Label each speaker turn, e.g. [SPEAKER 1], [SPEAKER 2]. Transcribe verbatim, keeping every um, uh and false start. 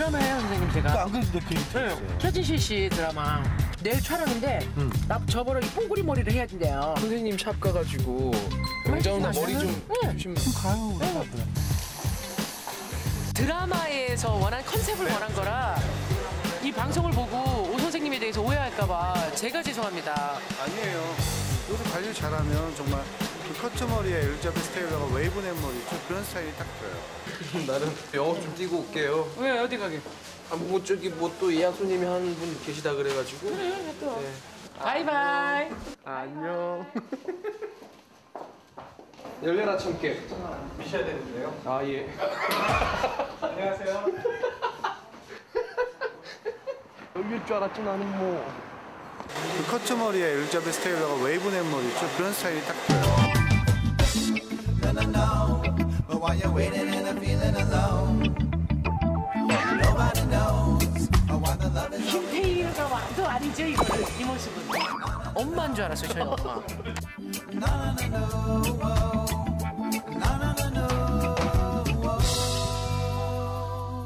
[SPEAKER 1] 드라마예요, 선생님, 제가.
[SPEAKER 2] 안 그래도 그
[SPEAKER 1] 네, 최진실 씨 드라마. 내일 촬영인데
[SPEAKER 2] 음.
[SPEAKER 1] 나 저번에 이 뽕구리 머리를 해야 된대요.
[SPEAKER 3] 선생님 샵 가가지고 영자 누나 머리 좀
[SPEAKER 1] 네.
[SPEAKER 3] 주시면
[SPEAKER 2] 가요.
[SPEAKER 1] 네.
[SPEAKER 4] 드라마에서 원한 컨셉을 원한 거라 이 방송을 보고 오 선생님에 대해서 오해할까봐 제가 죄송합니다.
[SPEAKER 5] 아니에요. 요새 관리 잘하면 정말 그 커트 머리에 엘리자베스 테일러가 웨이브넥 머리 좀 그런 스타일이 딱 좋아요.
[SPEAKER 3] 나는 영업 좀 뛰고 올게요.
[SPEAKER 4] 왜 어디 가게?
[SPEAKER 3] 아, 뭐 저기 뭐 또 예약 손님이 한 분 계시다 그래가지고.
[SPEAKER 4] 그래 또.
[SPEAKER 3] 네.
[SPEAKER 4] 바이바이.
[SPEAKER 3] 안녕. 열려라 참깨.
[SPEAKER 5] 미셔야 되는데요.
[SPEAKER 3] 아 예.
[SPEAKER 5] 안녕하세요.
[SPEAKER 3] 열릴 줄 알았지 나는 뭐.
[SPEAKER 5] 그 커트 머리에 엘리자베스 테일러가 웨이브넥 머리 좀 그런 스타일이 딱 좋아요.
[SPEAKER 1] 김태희가 와도 아니죠, 이거는. 이 모습은.
[SPEAKER 4] 엄마인 줄 알았어요, 저희 엄마.
[SPEAKER 6] No, no, no, no.